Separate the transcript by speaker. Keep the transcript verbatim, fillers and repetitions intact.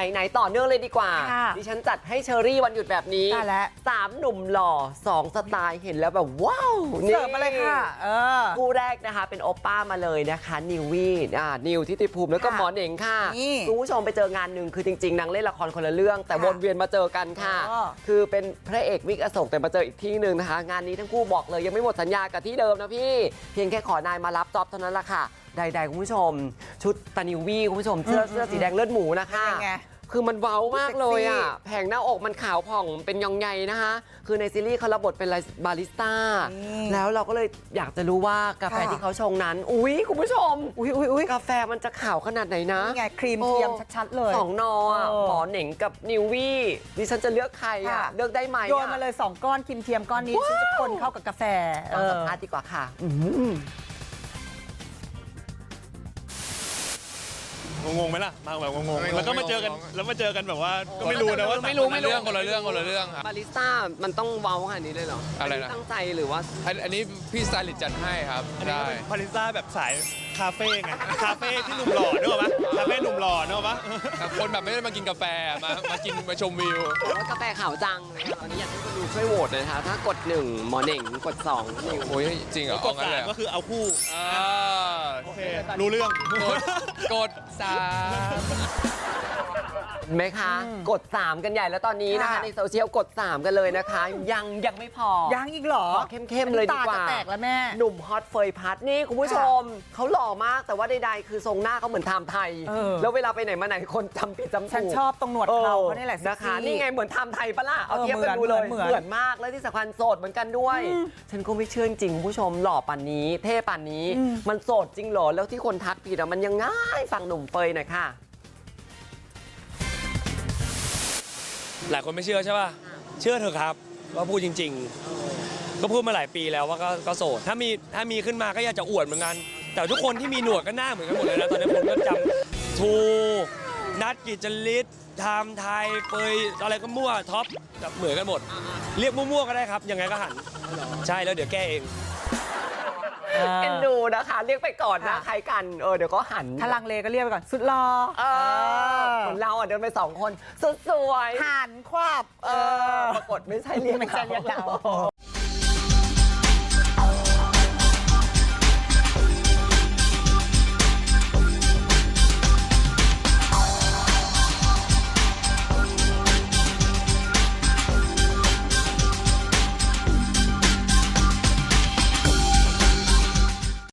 Speaker 1: ไหนๆต่อเนื่องเลยดีกว่า
Speaker 2: ค่ะ
Speaker 1: ดิฉันจัดให้เชอรี่วันหยุดแบบนี้
Speaker 2: ได้แล้ว
Speaker 1: สามหนุ่มหล่อสองสไตล์เห็นแล้วแบบว้าว
Speaker 2: เสิร์ฟมาเลยค่ะเออ
Speaker 1: คู่แรกนะคะเป็นโอป้ามาเลยนะคะนิววี่อ่านิวทิติภูมิแล้วก็
Speaker 2: ค่ะ
Speaker 1: หมอเหน่งค่ะ
Speaker 2: นี่
Speaker 1: คุณผู้ชมไปเจองานหนึ่งคือจริงๆนางเล่นละครคนละเรื่อง แต่
Speaker 2: ค่ะ
Speaker 1: วนเวียนมาเจอกันค่ะ
Speaker 2: อ๋อ
Speaker 1: คือเป็นพระเอกวิกอโศกแต่มาเจออีกที่หนึ่งนะคะ งานนี้ทั้งคู่บอกเลยยังไม่หมดสัญญากับที่เดิมนะพี่เพียงแค่ขอนายมารับจ็อบเท่านั้นแหละค่ะใดๆคุณผู้ชม ชุดตานิววี่คุณผู้ชมเสื้อเสื้อสีแดงเลือดหมูนะคะ
Speaker 2: เป็นไง
Speaker 1: คือมันเว้ามากเลยอ่ะ
Speaker 2: เซ็กซี่
Speaker 1: แผงหน้าอกมันขาวผ่องเป็นยองใยนะคะ คือในซีรีส์เขารับบทเป็นบาริสต้า
Speaker 2: อืม
Speaker 1: แล้วเราก็เลยอยากจะรู้ว่ากาแฟ
Speaker 2: ค่ะ
Speaker 1: ที่เขาชงนั้น อุ๊ย คุณผู้ชม
Speaker 2: อุ้ยอุ้ยอุ้ย
Speaker 1: กาแฟมันจะขาวขนาดไหนนะ
Speaker 2: นี่ไงครีมเทียมชัดๆเลย
Speaker 1: สองนออะ
Speaker 2: เออ
Speaker 1: หมอเหน่งกับนิววี่ดิฉันจะเลือกใครอ่ะ
Speaker 2: ค่ะ
Speaker 1: เลือกได้ไหมอะ
Speaker 2: โยนมาเลยสองก้อนครีมเทียมก้อนนี้ฉันจะคนเข้ากับกาแฟ
Speaker 1: ฟังสัม
Speaker 2: เออ
Speaker 1: ภาษณ์ดีกว่าค่ะอืม
Speaker 3: งงๆไหมล่ะมาแบบงง
Speaker 4: ไม่
Speaker 3: ๆ
Speaker 4: งง
Speaker 3: แล้วก็มาเจอกัน
Speaker 4: ไม่งง
Speaker 3: แล้วมาเจอกันแบบว่าก็ไม่รู้นะว่า
Speaker 1: ไม่รู้
Speaker 4: คนละเรื่องคนละเรื่องคนละเรื่องครับ
Speaker 1: บาริสต้ามันต้องเว้าขนาดนี้เลยเหรอ
Speaker 4: อะไรนะ
Speaker 1: นนี้ตั้งใจหรือว่า
Speaker 4: อันอันนี้พี่สไตลิสต์จัดให้ครับ
Speaker 3: อันนี้
Speaker 4: ได้
Speaker 3: ก็เป็นพาริซ่าแบบสายคาเฟ่ไงคาเฟ่ที่หนุ่มหล่อนึกออกปะคาเฟ่หนุ่มหล่อนึกออกปะ
Speaker 4: คนแบบไม่ได้มากินกาแฟมามากินมาชมวิว
Speaker 1: ว่ากาแฟขาวจังตอนนี้อยากให้คุณดูช่วยโหวตหน่อยนะคะถ้ากดหนึ่งหมอเหน่งกดสองนิว
Speaker 4: โอ้ยจริงเหรอ
Speaker 3: ก
Speaker 4: เอา
Speaker 3: ด
Speaker 4: งั้น
Speaker 3: สา
Speaker 4: เล
Speaker 3: ม
Speaker 4: ยเหร
Speaker 3: ก็
Speaker 4: อ
Speaker 3: คือเอาคู่
Speaker 4: อ่า
Speaker 3: โอเครู้เรื่อง
Speaker 4: กดกดสาม
Speaker 1: เห็นไหมคะ กดสามกันใหญ่แล้วตอนนี้นะคะ
Speaker 2: ค่ะ
Speaker 1: ในโซเชียลกดสามกันเลยนะคะ ยังยังไม่พอ
Speaker 2: ยังอีกเหรอ
Speaker 1: ขอเข้มๆเลยดีกว่า
Speaker 2: ตจะแตกแล้วแม่
Speaker 1: หนุ่มฮอตเฟยพัดนี่คุณผู้ชม เขาหล่อมากแต่ว่าใดๆคือทรงหน้าเขาเหมือนไทม์ไทย
Speaker 2: เออ
Speaker 1: แล้วเวลาไปไหนมาไหนคนจำผิดจำถูก
Speaker 2: ฉันชอบตรงหนวดเขาเขานี่แหละ
Speaker 1: นะคะ
Speaker 2: เซ็กซี่
Speaker 1: นี่ไงเหมือนไทม์ไทยปะล่ะเอา
Speaker 2: เออ
Speaker 1: เทียบกันดูเลย
Speaker 2: เหมือน
Speaker 1: เหมือนมากแล้วที่สำคัญโสดเหมือนกันด้วย ฉันก็ไม่เชื่อจริงคุณผู้ชมหล่อป่านนี้เท่ป่านนี้ มันโสดจริงเหรอแล้วที่คนทักผิดอะมันยังง่ายฟังหนุ่มเฟยหน่อยค่ะ
Speaker 5: หลายคนไม่เชื่อใช่ป่ะ เชื่อเถอะครับว่าพูดจริง ๆ ก็พูดมาหลายปีแล้วว่าก็ก็โสด ถ้ามีถ้ามีขึ้นมาก็อยากจะอวดเหมือนกัน แต่ทุกคนที่มีหนวดก็หน้าเหมือนกันหมดเลยนะ ตอนนี้ผมก็จำทูนัดกิจลิศไทม์ไทยเปยอะไรก็มั่วท็อปแบบเหมือนกันหมด เรียกมั่วๆก็ได้ครับ ยังไงก็หัน ใช่แล้วเดี๋ยวแก้เอง
Speaker 1: เอ็นดูนะคะเรียกไปก่อนนะ
Speaker 2: ค่ะ
Speaker 1: ใครกันเออเดี๋ยวก็หัน
Speaker 2: ถ้าลังเลก็เรียกไปก่อน สุดรอ
Speaker 1: เออเหมือนเราอ่ะเดินไปสองคนสุดสวย
Speaker 2: หันควับ
Speaker 1: เออปรากฏไม่ใช่เรียก
Speaker 2: ไม่ใช่เรียกเรา
Speaker 1: เรา